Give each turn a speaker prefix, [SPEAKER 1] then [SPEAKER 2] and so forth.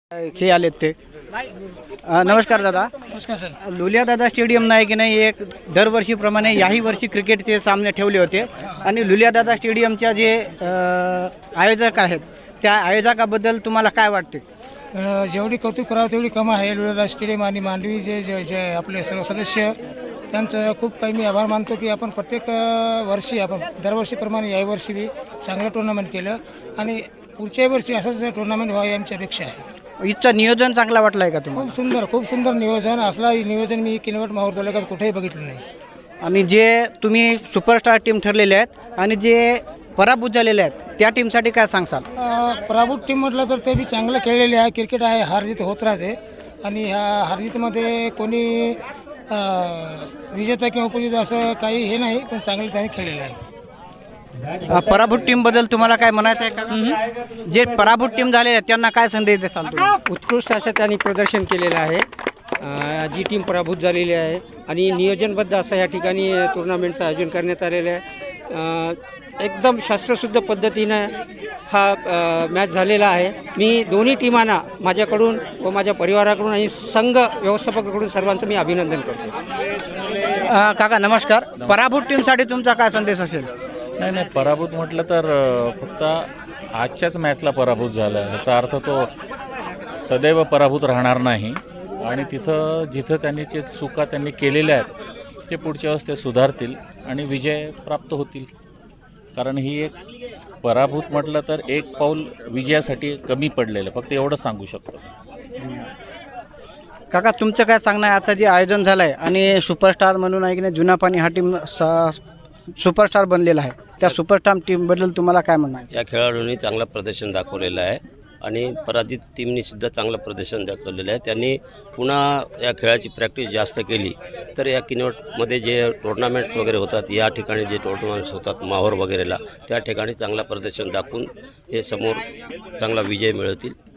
[SPEAKER 1] हे आलेत ते नमस्कार दादा.
[SPEAKER 2] नमस्कार सर.
[SPEAKER 1] लुलिया दादा स्टेडियम नाही की नाही एक दरवर्षीप्रमाणे याही वर्षी क्रिकेटचे सामने ठेवले होते आणि लुलिया दादा स्टेडियमच्या जे आयोजक आहेत त्या आयोजकाबद्दल तुम्हाला काय वाटते?
[SPEAKER 2] जेवढी कौतुक करावं तेवढी कम आहे. लुलेदा स्टेडियम आणि मांडवी जे जे जे आपले सर्व सदस्य त्यांचं खूप काही मी आभार मानतो की आपण प्रत्येक वर्षी आपण दरवर्षीप्रमाणे याही वर्षी बी चांगलं टुर्नामेंट केलं आणि पुढच्याही वर्षी असंच टुर्नामेंट व्हावं आमची अपेक्षा आहे.
[SPEAKER 1] इथचं नियोजन चांगला वाटलं आहे का तुम्हाला?
[SPEAKER 2] खूप सुंदर नियोजन. असला नियोजन मी किनवट माहूर तालुक्यात कुठेही बघितलं नाही.
[SPEAKER 1] आणि जे तुम्ही सुपरस्टार टीम ठरलेले आहेत आणि जे पराभूत झालेले आहेत त्या टीमसाठी काय सांगसाल?
[SPEAKER 2] पराभूत टीम म्हटलं तर ते बी चांगलं खेळलेले आहे. क्रिकेट आहे, हारजीत होत राहते आणि ह्या हारजीतमध्ये कोणी विजेता किंवा उपविजेता असं काही हे नाही, पण चांगलं त्याने खेळलेलं आहे.
[SPEAKER 1] पराभूत टीमबद्दल तुम्हाला काय म्हणायचं आहे का? जे पराभूत टीम झाले आहेत त्यांना काय संदेश देसाल तुम्ही?
[SPEAKER 3] उत्कृष्ट असं त्यांनी प्रदर्शन केलेलं आहे. जी टीम पराभूत झालेली आहे आणि नियोजनबद्ध असं या ठिकाणी टुर्नामेंटचं आयोजन करण्यात आलेलं आहे. एकदम शास्त्रशुद्ध पद्धतीनं हा मॅच झालेला आहे. मी दोन्ही टीमांना माझ्याकडून व माझ्या परिवाराकडून आणि संघ व्यवस्थापकाकडून सर्वांचं मी अभिनंदन करतो.
[SPEAKER 1] काका नमस्कार. पराभूत टीमसाठी तुमचा काय संदेश असेल?
[SPEAKER 4] नाही पराभूत म्हटलं तर फक्त आजच्याच मॅचला पराभूत झाला याचा अर्थ तो सदैव पराभूत राहणार नाही आणि जिथं त्यांनी जे चुका त्यांनी केलेल्या आहेत ते पुढच्या वेळेस ते सुधारतील आणि विजय प्राप्त होतील. कारण ही एक पराभूत म्हटलं तर एक पाऊल विजयासाठी कमी पडलेलं, फक्त एवढं सांगू शकतो.
[SPEAKER 1] काका तुमचं काय सांगणं आहे? आता जे आयोजन झालं आहे आणि सुपरस्टार म्हणून आहे की नाही जुना पाणी हा टीम सुपरस्टार बनलेला आहे, त्या सुपरस्टार टीमबद्दल तुम्हाला काय म्हणणं आहे?
[SPEAKER 5] या खेळाडूंनी चांगलं प्रदर्शन दाखवलेलं आहे आणि पराजित टीमनी सुद्धा चांगलं प्रदर्शन दाखवलेलं आहे. त्यांनी पुन्हा या खेळाची प्रॅक्टिस जास्त केली तर या किनवटमध्ये जे टुर्नामेंट्स वगैरे होतात, या ठिकाणी जे टुर्नामेंट्स होतात माहोर वगैरेला, त्या ठिकाणी चांगलं प्रदर्शन दाखवून हे समोर चांगला विजय मिळवतील